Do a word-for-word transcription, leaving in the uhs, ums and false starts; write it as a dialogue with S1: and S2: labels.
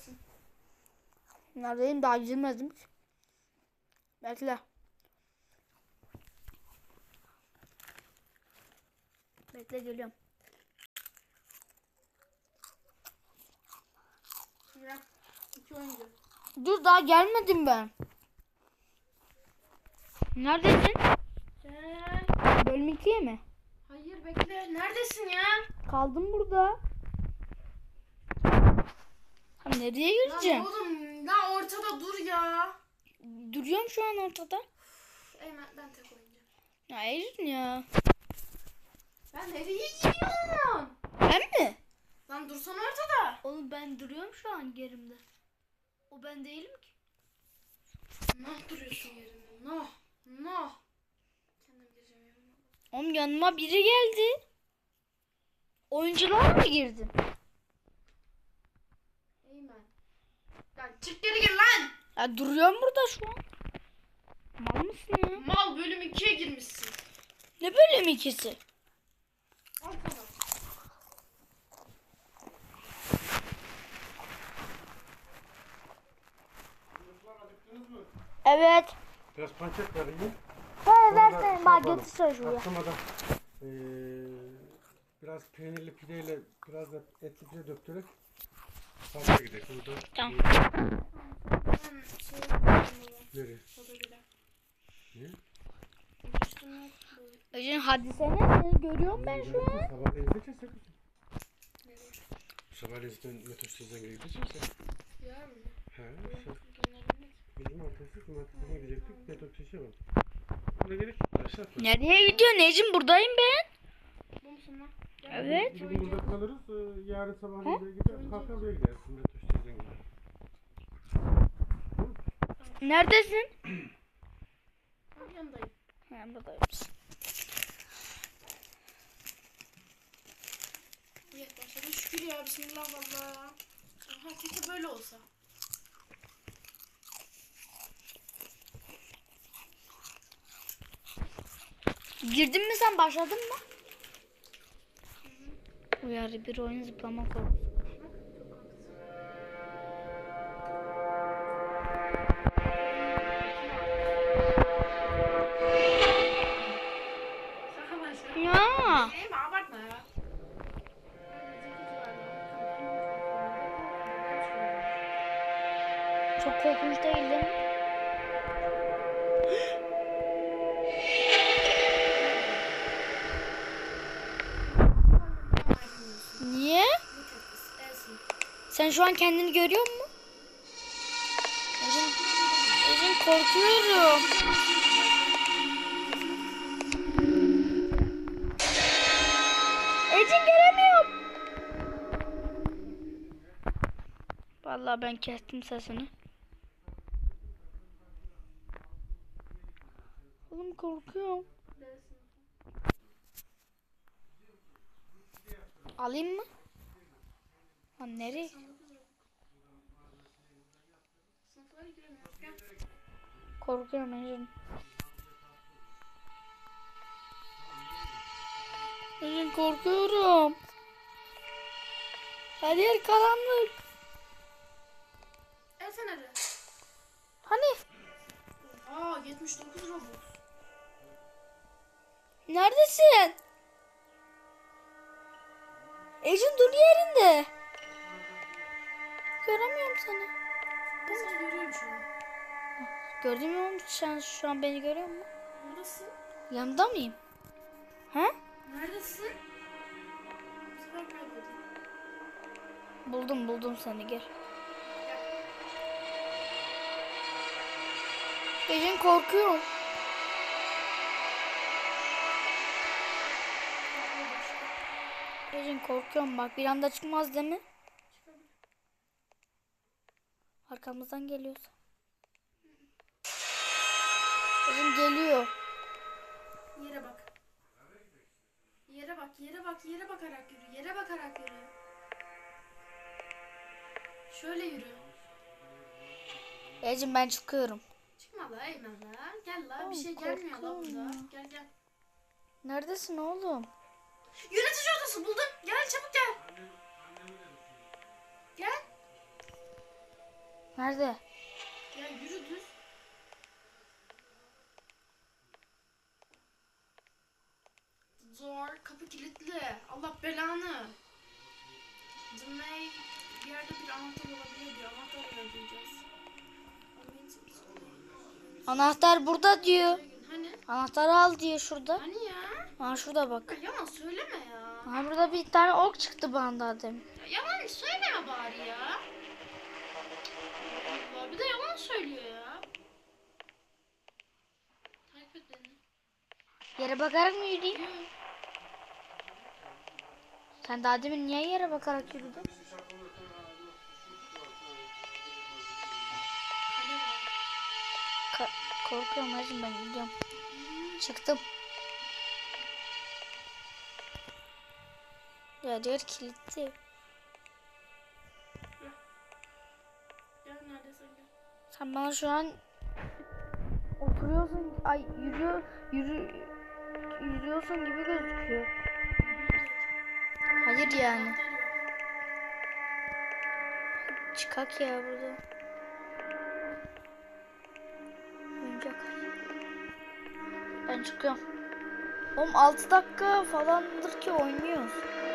S1: Neredesin?
S2: Neredeyim, daha girmedim ki. Bekle. Bekle, geliyorum.
S1: Ya, iki oyuncu.
S2: Dur, daha gelmedim ben. Neredesin?
S1: Gel.
S2: Bölüm ikiye mi?
S1: Hayır bekle. Neredesin ya?
S2: Kaldım burada. Ha, nereye gireceğim?
S1: Lan oğlum lan ortada dur ya.
S2: Duruyorum şu an ortada.
S1: Eymen ben tek oynayacağım.
S2: Ya Ecin ya.
S1: Ben nereye gidiyorum?
S2: Ben mi?
S1: Lan dursana ortada.
S2: Oğlum ben duruyorum şu an yerimde. O ben değilim ki.
S1: Nah duruyorsun yerinde. Nah. Nah. Kendim gireceğim yerime.
S2: Oğlum yanıma biri geldi. Oyuncular mı girdi?
S1: Eymen. Lan çık geri gir lan.
S2: Ya duruyorum burada şu an. Mal mısın ya?
S1: Mal bölüm ikiye girmişsin.
S2: Ne bölüm ikisi?
S1: Al sana.
S2: Evet.
S3: Biraz pancak vereyim.
S2: Ha
S3: Sonra
S2: versene bak
S3: yapalım.
S2: getir şuraya.
S3: Atlamadan ee, biraz peynirli pideyle biraz da etli pide döktürerek fazla gidelim. Burada
S2: Tamam.
S1: Ben şey yapıyorum.
S3: nereye?
S1: Soda gider.
S3: Ne?
S1: Üstüne bu-
S2: Ecin hadi sene seni görüyorum ben şu an.
S3: Sabahleyin gideceksin.
S1: nereye?
S3: Sabahleyin zaten metostazdan gideceksin.
S1: Yarın mı?
S3: He.
S1: Yok,
S3: Sen,
S1: göndermek.
S3: bizim arkadaşlık cumartesine gidecektik. Metostazı var. Buna gerek aşağı atma.
S2: Nereye gidiyorsun Ecin? Buradayım ben.
S1: Bu musun lan? Gel.
S2: Evet.
S3: Bugün burada kalırız. ee, Yarın sabahleyin de gider. Kalkar buraya gidersin. Metostazdan gider.
S2: Neredesin?
S1: Al, yanındayım.
S2: Ha buradayım.
S1: İyi başladı. Şükür ya. Bismillah valla. Aha keşke böyle olsa.
S2: Girdin mi sen, başladın mı? Uyarı bir oyun zıplama korkusu.
S1: Şaka başla.
S2: Ya.
S1: Değil mi? Abartma ya.
S2: Çok korkunç değil değil mi? Niye? Sen şu an kendini görüyor musun? Ecin, Ecin korkuyorum. Ecin göremiyorum. Vallahi ben kestim sesini. Oğlum korkuyorum. Alayım mı? Lan nereye?
S1: Sınıflara giremiyoruz. Gel.
S2: Korkuyorum Ecin. Ecin korkuyorum. Her yer karanlık.
S1: El feneri.
S2: Hani?
S1: Aa yetmiş dokuz Robux.
S2: Neredesin? Ecin dur yerinde. Göremiyorum seni.
S1: Ben seni görüyorum şu an.
S2: Gördün mü oğlum? Sen şu an beni görüyor musun?
S1: Buradasın.
S2: Yanında mıyım? Ha?
S1: Neredesin? Bu sefer kayboldun.
S2: Buldum buldum seni, gel. Ecin korkuyorum. Ecin korkuyorum bak, bir anda çıkmaz değil mi?
S1: Çıkabilir.
S2: Arkamızdan geliyorsa. Ecin geliyor.
S1: Yere bak. Yere bak, yere bak, yere bakarak yürü. Yere bakarak yürü. Şöyle yürü.
S2: Ecin ben çıkıyorum.
S1: Çıkma la Eymen la. Gel la.
S2: Oğlum,
S1: Bir şey gelmiyor la
S2: korkuyorum
S1: burada.
S2: ya.
S1: Gel gel.
S2: Neredesin oğlum?
S1: Yönetici odası buldum. Gel çabuk gel. Gel.
S2: Nerede?
S1: Ya yürü düz. Zor. Kapı kilitli. Allah belanı. Cümley bir yerde bir anahtar olabilir diyor. Anahtar arayacağız.
S2: Anahtar burada diyor.
S1: Hani?
S2: Anahtarı al diyor şurada.
S1: Hani ya?
S2: Ha şurada bak.
S1: Ya yalan söyleme ya.
S2: Ha burada bir tane ok çıktı bana daha demin.
S1: Ya yalan söyleme bari ya. Allah bir de yalan söylüyor ya. Takip et beni.
S2: Yere bakarak mı yürüyeyim?
S1: Yürü.
S2: Sen daha demin niye yere bakarak yürüdün?
S1: Kale var.
S2: Ka- korkuyorum hacım, ben gidiyorum. Çıktım. Ya diğer kilitli.
S1: Gel neredesin gel.
S2: Sen bana şu an oturuyorsun, ay yürüyor, yürü, yürüyorsun gibi gözüküyor. Hayır yani.
S1: Anahtar yok.
S2: Çıkak ya burada. Oyuncak. Ben çıkıyorum. Oğlum altı dakika falandır ki oynuyoruz.